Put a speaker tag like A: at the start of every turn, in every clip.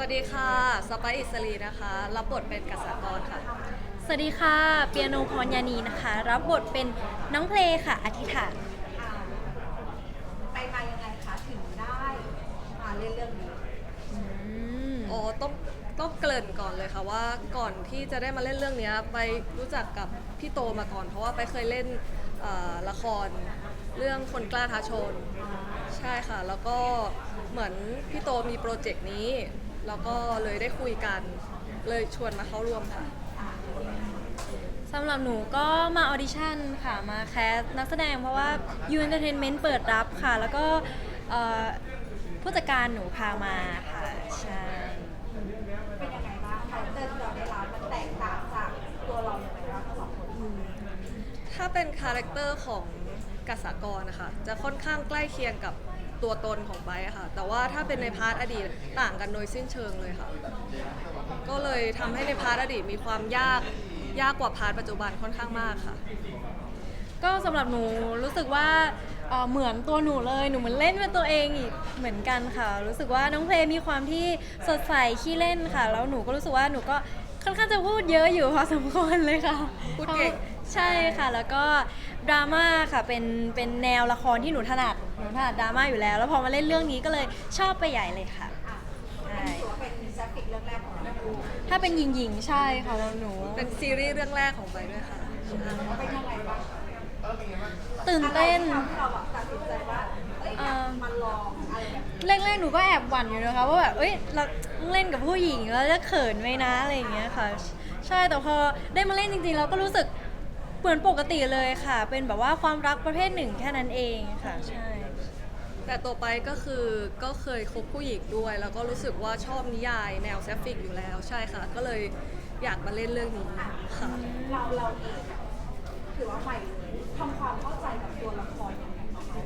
A: วัสดีค่ะสไปซ์อิสรีนะคะรับบทเป็นกษากรค่ะ
B: สวัสดีค่ะเปียโนพรยานีนะคะรับบทเป็นน้องเพลงค่ะอธิษฐาน
C: ไปมายังไงคะถึงได้มาเล่นเรื่องนี้
B: อืม
A: อ๋อต้องเกริ่นก่อนเลยค่ะว่าก่อนที่จะได้มาเล่นเรื่องนี้ไปรู้จักกับพี่โตมาก่อนเพราะว่าไปเคยเล่นละครเรื่องคนกล้าท้าชนใช่ค่ะแล้วก็เหมือนพี่โตมีโปรเจกต์นี้แล้วก็เลยได้คุยกันเลยชวนมาเข้าร่วมค่ะ
B: สำหรับหนูก็มาออดิชั่นค่ะมาแคสนักแสดงเพราะว่า U Entertainment เปิดรับค่ะ แล้วก็เอ่อผู้จัดการหนูพามาค่ะใช่
C: เป็นยังไงบ้างคาแรคเตอร์ที่เราได้รับมันแตกต่างจากตัวเราอย่างไรบ้างทั้งสองคน
A: ถ้าเป็นคาแรคเตอร์ของกษากรนะคะจะค่อนข้างใกล้เคียงกับตัวตนของไบร์ทค่ะแต่ว่าถ้าเป็นในพาร์ทอดีตต่างกันโดยสิ้นเชิงเลยค่ะก็เลยทำให้ในพาร์ทอดีตมีความยากกว่าพาร์ทปัจจุบันค่อนข้างมากค่ะ
B: ก็สำหรับหนูรู้สึกว่าเหมือนตัวหนูเลยหนูเหมือนเล่นเป็นตัวเองอีกเหมือนกันค่ะรู้สึกว่าน้องเพลงมีความที่สดใสขี้เล่นค่ะแล้วหนูก็รู้สึกว่าหนูก็ค่อนข้างจะพูดเยอะอยู่พอสมควรเลยค่ะ
A: พูดเก่ง
B: ใช่ค่ะแล้วก็ดราม่าค่ะเป็นแนวละครที่หนูถนัดดราม่าอยู่แล้วแล้วพอมาเล่นเรื่องนี้ก็เลยชอบไปใหญ่เลยค่ะใช่
C: ถือว่าเป็นแซฟฟิกเรื่องแรกของเราเป็น
B: ถ้าเป็นหญิงๆใช่ค่ะแล้วหนู
A: เป็นซีรีส์เรื่องแรกของไบร์ทด้วยค่ะ
C: ยังไงบ้าง
B: ตื่นเต้น
C: อะไรที่ทำให้เราแบบตัดสินใจว่าเอ้ยมันลองอะไรแบบนี้
B: แรกๆหนูก็แอบหวั่นอยู่นะคะว่าแบบเอ้ยเราเล่นกับผู้หญิงแล้วจะเขินไหมนะอะไรอย่างเงี้ยค่ะใช่แต่พอได้มาเล่นจริงๆเราก็รู้สึกเหมือนปกติเลยค่ะเป็นแบบว่าความรักประเภทหนึ่งแค่นั้นเองค่ะใช่
A: แต่ตัวไปก็คือก็เคยคบผู้หญิงด้วย แล้วก็รู้สึกว่าชอบนิยายแนวแซฟฟิกอยู่แล้วใช่ค่ะก็เลยอยากมาเล่นเรื่องนี้ค่ะ
C: เราเองถือว่าใหม่เลยทำความเข้าใจกับตัวละครยังไงบ้างคะ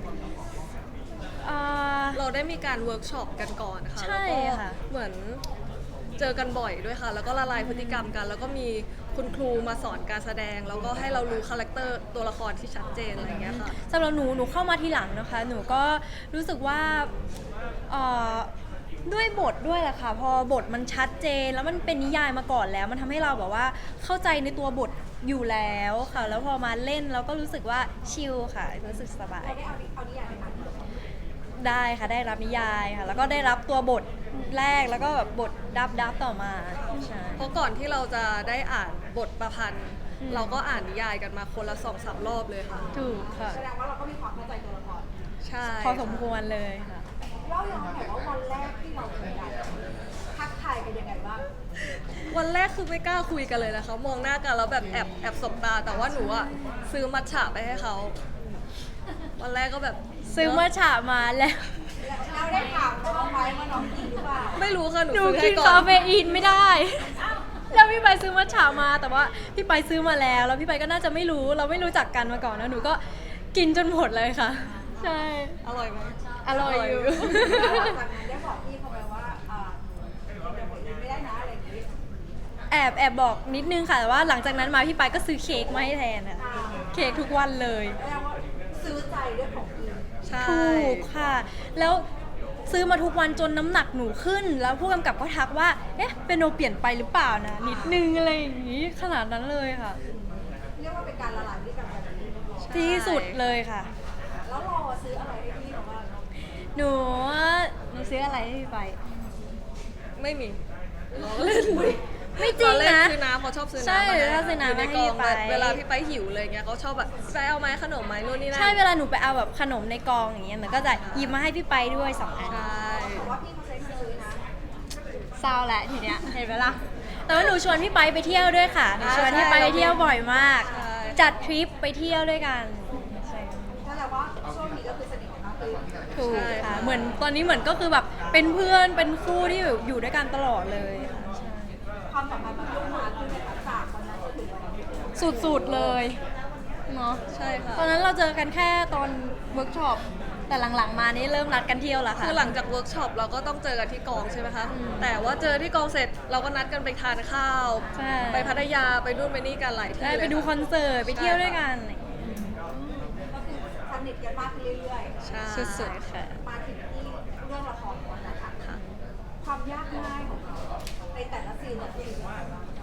A: เราได้มีการเวิร์กช็อปกันก่อนนะคะ
B: ใช่
A: แล้วก็
B: ค่ะ
A: เหมือนเจอกันบ่อยด้วยค่ะ แล้วก็ละลายพฤติกรรมกัน แล้วก็มีคุณครูมาสอนการแสดง แล้วก็ให้เรารู้คาแรคเตอร์ตัวละครที่ชัดเจนอะไรอย่างเงี้ยค่ะ
B: สำหรับหนูเข้ามาทีหลังนะคะ หนูก็รู้สึกว่าเอ่อด้วยบทด้วยแหละค่ะพอบทมันชัดเจนแล้วมันเป็นนิยายมาก่อนแล้ว มันทำให้เราแบบว่าเข้าใจในตัวบทอยู่แล้วค่ะ แล้วพอมาเล่นเราก็รู้สึกว่าชิลค่ะรู้สึกสบาย
C: เราได้เอานิยายไปอ่านไหม
B: ได้ค่ะได้รับนิยายค่ะ แล้วก็ได้รับตัวบทแรกแล้วก็แบบบทดับต่อมาใช่
A: เพราะก่อนที่เราจะได้อ่านบทประพันธ์
B: อืม
A: เราก็อ่านนิยายกันมาคนละ2-3 รอบเลยค่ะ
B: ถูกค่ะ
C: แสดงว่าเราก็มีความเข้าใจตัวละคร
A: ใช่
B: พอสมควรเลยค่ะ
C: เล่าย้อนหน่อยว่าวันแรกที่เราเจอกันทักทายกันยังไงบ้าง
A: วันแรกคือไม่กล้าคุยกันเลยนะคะมองหน้ากันแล้วแบบแอบสบตา แต่ว่าหนูอะซื้อมัทฉะไปให้เขา วันแรกก็แบบ
B: ซื้อมาฉามาแล้ว
C: เราได้ถามเขาไหมว่าน้องกินหรือเปล่า
A: ไม่รู้ค่ะหนู
B: หนู
A: ซื้อ
B: กิ
A: ให้
B: น
A: ก่อ
B: คาน เฟอีนไม่ได้ แล้วพี่ไปซื้อมัทฉามาแต่ว่าพี่ไปซื้อมาแล้วแล้วพี่ไปก็น่าจะไม่รู้เราไม่รู้จักกันมาก่อนนะหนูก็กินจนหมดเลยค่ะ ใช่
A: อร่อยไหม
B: อร่อยอยู่
C: แล้วหลังจากนั้นได้บอกพี่เขาไปว่าเดี๋ยวผมกินไม่ได้นะอะไรอย่างนี้
B: แอบบอกนิดนึงค่ะแต่ว่าหลังจากนั้นมาพี่ไปก็ซื้อเค้กมาให้แทนค่ะเค้กทุกวันเลย
C: แสดงว่าซื้อใจด้วยของกิน
A: ใช่
B: ถูกค่ะ แล้วซื้อมาทุกวันจนน้ำหนักหนูขึ้น แล้วผู้กำกับก็ทักว่า เอ๊ะเป็นโนเปลี่ยนไปหรือเปล่านะนิดนึงอะไรอย่างนี้ขนาดนั้นเลยค่ะ
C: เรียกว่าเป็นการละลายพฤติกรรมกันที่เรียบร้อย
B: ที่สุดเลยค่ะ
C: แล้วเราซื้ออะไรให้พี่เขาบ้าง
B: หนูซื้ออะไรให้พี่ไป
A: ไม่มีเราเล่น
B: ไม่จริง
A: เราเล่น
B: นะ
A: ซื้อน้ำเขาชอบซื้อ
B: ใช่
A: น้ำมาให้
B: ถ้าซื้อน้ำ
A: ยู่ใน
B: ให้
A: กอง
B: พี่ไป
A: เวลาพี่ไปหิวเลยเงี้ยเขาชอบแบบพี่ไปเอาไหมขนมไหมนู่นนี่นั่น
B: ใช่เวลาหนูไปเอาแบบขนมในกองอย่างเงี้ยหนูก็จะหยิบมาให้พี่ไปด้วย2 อัน
A: ใช่
C: แต่ว่าพี่เขาใช้เงินซื้อนะ
B: เศร้าแหละทีเนี้ยเห็นไหมล่ะแต่ว่าหนูชวนพี่ไปเที่ยวด้วยค่ะหนูชวนพี่ไปเที่ยวบ่อยมาก จัดทริปไปเที่ยวด้วยกันใช่
C: ก็แปลว่าช่วงนี้ก็คือสนิทกันมากขึ้น
B: ถูกค่ะเหมือนตอนนี้เหมือนก็คือแบบเป็นเพื่อนเป็นคู่ที่แบบอยู่ด้วยกันตลอดเลยค่ะใช่
C: ความสัมพันธ์มันพุ่งมาขึ้นในทักษะวันนั้นจนถึงวันนี้
B: สุดๆเลยเนาะ
A: ใช่ค่ะ
B: ตอนนั้นเราเจอกันแค่ตอนเวิร์กช็อปแต่หลังๆมานี่เริ่มนัดกันเที่ยวแล้วค่ะ
A: คือหลังจากเวิร์กช็อปเราก็ต้องเจอกันที่กองใช่ไหมคะ แต่ว่าเจอที่กองเสร็จเราก็นัดกันไปทานข้าว
B: ใช่
A: ไปพัทยาไปนู่นไปนี่กันหลายที่
B: ได้
A: เลย
B: ไปดูคอนเสิร์ตไปเที่ยวด้วยกัน
C: ก็คือสนิทกันมากขึ้นเรื่อย
A: ใช่
B: สุดๆค่ะ
C: ๆ มาถึงที่เรื่องละครก่อนนะคะ
A: ค่ะ
C: คความยากง่ายของเขาในแต่ละซีนแต่ละซีนว่า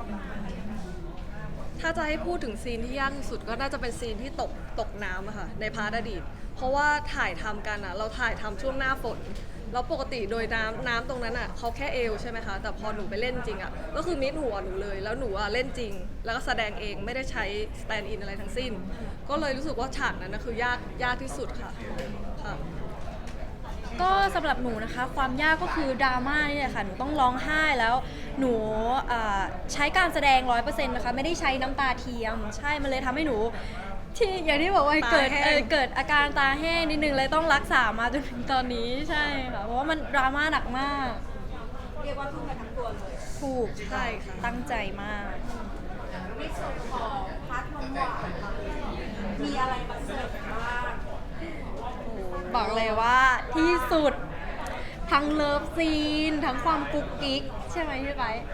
A: ถ้าจะให้พูดถึงซีนที่ยากที่สุดก็น่าจะเป็นซีนที่ตกน้ำอะค่ะในพาร์ทอดีต เพราะว่าถ่ายทำกันอะเราถ่ายทำช่วงหน้าฝนแล้วปกติโดยน้ำตรงนั้นอะเขาแค่เอวใช่ไหมคะแต่พอหนูไปเล่นจริงอะก็คือมิดหัวหนูเลย แล้วหนูอะเล่นจริง แล้วก็แสดงเองไม่ได้ใช้สแตนด์อินอะไรทั้งสิ้น ก็เลยรู้สึกว่าฉากนั้นนะคือยากที่สุดค่ะค่ะ
B: ก็สำหรับหนูนะคะความยากก็คือดราม่านี่แหละค่ะหนูต้องร้องไห้แล้วหนูใช้การแสดง 100%นะคะไม่ได้ใช้น้ำตาเทียมใช่มันเลยทำให้หนูที่อย่างที่บอกว่าเกิด
A: ตาแห้ง
B: เกิดอาการตาแห้งนิดนึงเลยต้องรักษามาจนถึงตอนนี้ใช่ค่ะเพราะว่ามันดราม่าหนักมาก
C: เรียกว่าทุ่มไปทั้งตัวเลย
B: ถูก
A: ใช่ค่ะ
B: ตั้งใจมาก
C: ในส่วนของพาร์ทนมหวานเรามีอะไรมาเสิร์ฟบ้าง
B: บอกเลยว่าที่สุดทั้งเลิฟซีนทั้งความกุ๊กกิ๊กใช่ไหมพี่ไบร์ท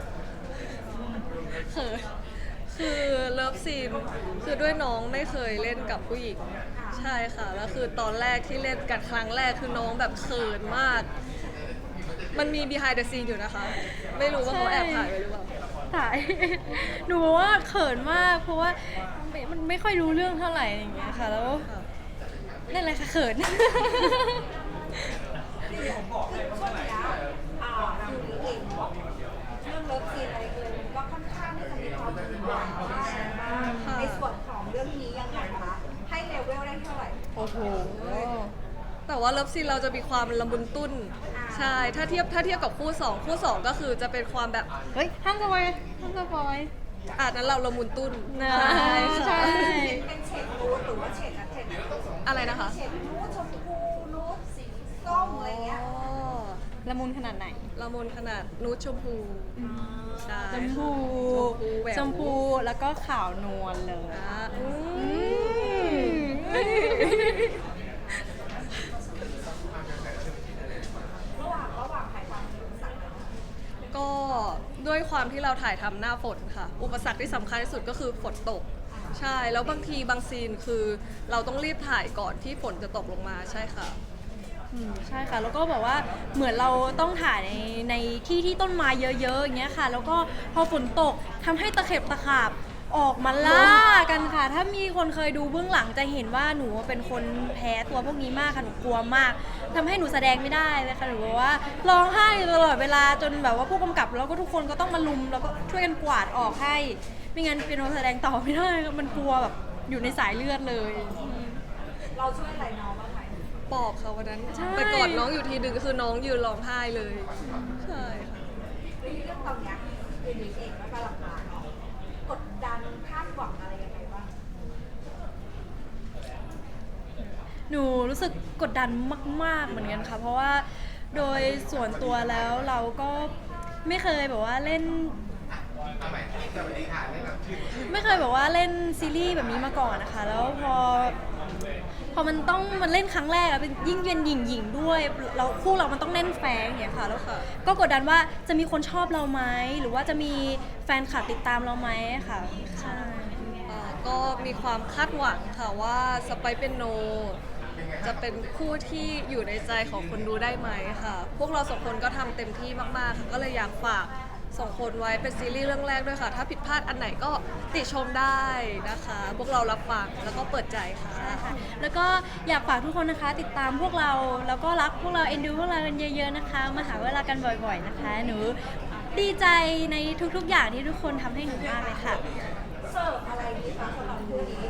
A: คือเลิฟซีนคือด้วยน้องไม่เคยเล่นกับผู้หญิงใช่ค่ะแล้วคือตอนแรกที่เล่นกันครั้งแรกคือน้องแบบเขินมาก มันมี behind the scene อยู่นะคะ ไม่รู้ว่าเขาแอบถ่ายไว้หรือเปล่า
B: ถ่าย หนูว่าเขินมากเพราะว่ามันไม่ค่อยรู้เรื่องเท่าไหร่อย่างเงี้ยค่ะแล้ว
A: ค่ะ
B: นั่นแหละค่ะเขิน
C: ช่วงเนี้ยอยู่ในเองเนาะเรื่องเลิฟซีนอะไรเลยมันก็ค่อนข้างที่จะมีความหวานมากในส่วนของเรื่องนี้ยังไงคะให้เลเวลได้เท่าไหร่
B: โอ้โห
A: แต่ว่าเลิฟซีนเราจะมีความละมุนตุ้นใช่ถ้าเทียบกับคู่สองก็คือจะเป็นความแบบ
B: เฮ้ยห้ามสปอยห้ามสปอย
A: นั้นเราละมุนตุ้น
B: นะ
A: ใช่
B: ใช่
C: เป็นเฉดนูดหรือว่าเฉดอะเฉด
A: อะไรนะคะ
C: เฉดนูดชมพูนูดสีส้มอะไรเงี้ย
A: อ๋อ
B: ละมุนขนาดไหน
A: ละมุนขนาดนูดชมพูใช่
B: ชมพู
A: แหวว
B: ชมพูแล้วก็ขาวนวลเลย
A: อ่ะอืม
C: ระหว่างถ่ายทำอุปสรรค
A: ก็ด้วยความที่เราถ่ายทำหน้าฝนค่ะ อุปสรรคที่สำคัญที่สุดก็คือฝนตก ใช่ แล้วบางทีบางซีนคือเราต้องรีบถ่ายก่อนที่ฝนจะตกลงมาใช่ค่ะ
B: ใช่ค่ะ แล้วก็แบบว่าเหมือนเราต้องถ่ายในที่ที่ต้นไม้เยอะๆอย่างเงี้ยค่ะ แล้วก็พอฝนตกทำให้ตะเข็บตะขาบออกมาล่ากันค่ะ ถ้ามีคนเคยดูเบื้องหลังจะเห็นว่าหนูเป็นคนแพ้ตัวพวกนี้มากค่ะหนูกลัวมากทำให้หนูแสดงไม่ได้เลยค่ะหนูบอกว่าร้องไห้อยู่ตลอดเวลาจนแบบว่าผู้กำกับแล้วก็ทุกคนก็ต้องมาลุมแล้วก็ช่วยกันกวาดออกให้ ไม่งั้นเปียโนแสดงต่อไม่ได้มันกลัวแบบอยู่ในสายเลือดเลย
C: เราช่วยอะไรน้องบ้างไหม
A: ปอบค่ะวันนั้น
B: ใช่
A: ไปกอดน้องอยู่ทีหนึ่งคือน้องยืนร้องไห้เลย ใช่ค่ะ
C: ในเรื่องตอนเนี้ยเรื่องนี้เองก็กำลังมาเนาะกดดันคาดหวังอะไรยังไงบ้าง
B: หนูรู้สึกกดดันมากๆเหมือนกันค่ะ เพราะว่าโดยส่วนตัวแล้วเราก็ไม่เคยแบบว่าเล่น ไม่เคยแบบว่าเล่นซีรีส์แบบนี้มาก่อนนะคะ แล้วพอมันต้องมันเล่นครั้งแรกอะเป็นยิ่งเป็นหญิงด้วยเราคู่เรามันต้องเล่นแฝงอย่างเงี้ยค่ะแล้ว
A: ค่ะ
B: ก็กดดันว่าจะมีคนชอบเราไหมหรือว่าจะมีแฟนคลับติดตามเราไหมค่ะใช่
A: ก็มีความคาดหวังค่ะว่าสไปซ์เป็นโน จะเป็นคู่ที่อยู่ในใจของคนดูได้ไหมค่ะ พวกเราสองคนก็ทำเต็มที่มากๆค่ะก็เลยอยากฝากสองคนไว้เป็นซีรีส์เรื่องแรกด้วยค่ะ ถ้าผิดพลาดอันไหนก็ติชมได้นะคะ พวกเรารับฟังแล้วก็เปิดใจค่ะ
B: แล้วก็อยากฝากทุกคนนะคะ ติดตามพวกเราแล้วก็รักพวกเราเอ็นดูพวกเรากันเยอะๆนะคะมาหาเวลากันบ่อยๆนะคะ หนูดีใจในทุกๆอย่างที่ทุกคนทำให้หนูมากเลยค่ะ
C: เสิร์ฟอะไรดีคะสำหรับคู่นี้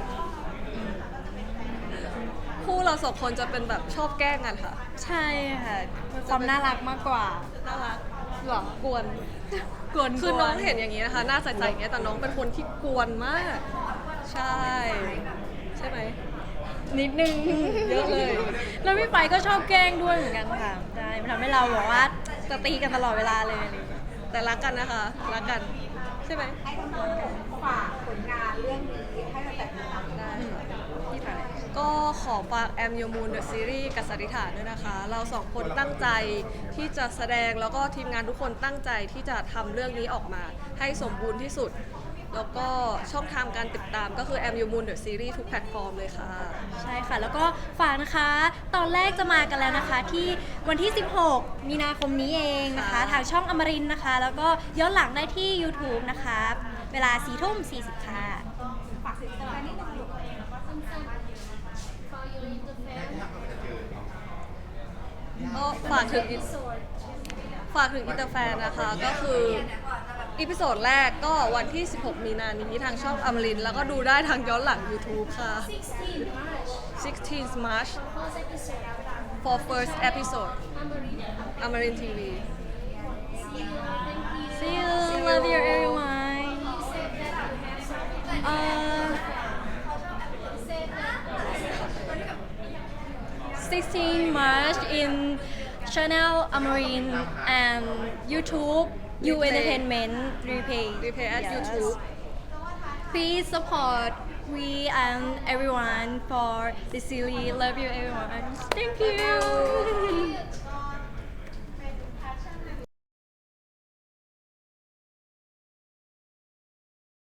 A: คู่เราสองคนจะเป็นแบบชอบแกล้งกันค่ะ
B: ใช่ค่ะความน่ารักมากกว่า
A: น่ารักหรอกวน
B: กวน
A: คือน้องเห็นอย่างนี้นะคะ หน้าใสๆอย่างเงี้ยแต่น้องเป็นคนที่กวนมาก ใช่ ใช่ไหม
B: นิดนึง
A: เยอะเลย
B: แล้วพี่ไปก็ชอบแกล้งด้วยเหมือนกันค่ะใช่มันทำให้เราบอกว่าจะตีกันตลอดเวลาเลยอะไรอย่างเงี้ย
A: แต่รักกันนะคะ รักกัน ใช่ไหม
C: ให้น้องๆฝากผลงานเรื่องนี้ให้มันแต่ติดตามได้
B: พี่ไป
A: ก็ขอฝาก Am Your Moon The Series กับสันนิษฐานด้วยนะคะ เราสองคนตั้งใจที่จะแสดงแล้วก็ทีมงานทุกคนตั้งใจที่จะทำเรื่องนี้ออกมา ให้สมบูรณ์ที่สุดแล้วก็ช่องทางการติดตามก็คือ Am You Moon The Series ทุกแพลตฟอร์มเลยค่ะ
B: ใช่ค่ะ แล้วก็ฝากนะคะ ตอนแรกจะมากันแล้วนะคะ ที่วันที่ 16 มีนาคมนี้เองนะคะ
A: ค่ะ
B: ทางช่องอมรินทร์นะคะ แล้วก็ย้อนหลังได้ที่ YouTube นะคะ เวลา 4:40 ค่ะ
C: ฝากสินค้านิดนึงลูก
A: ก็ฝากถึงอินเตอร์แฟนนะคะ ก็คืออีพิโซดแรกก็วันที่ 16 มีนานี้ทางช่องอมรินทร์แล้วก็ดูได้ทางย้อนหลัง YouTube ค่ะ 16 March for first episode อมรินทีวี
B: See you. Love you, everyone. 16 March in channel Amarin and YouTube You
A: Replay.
B: Entertainment Replay.
A: Replay at
B: Yes.
A: YouTube.
B: Please support we and everyone for the series. Love you, everyone. Thank you.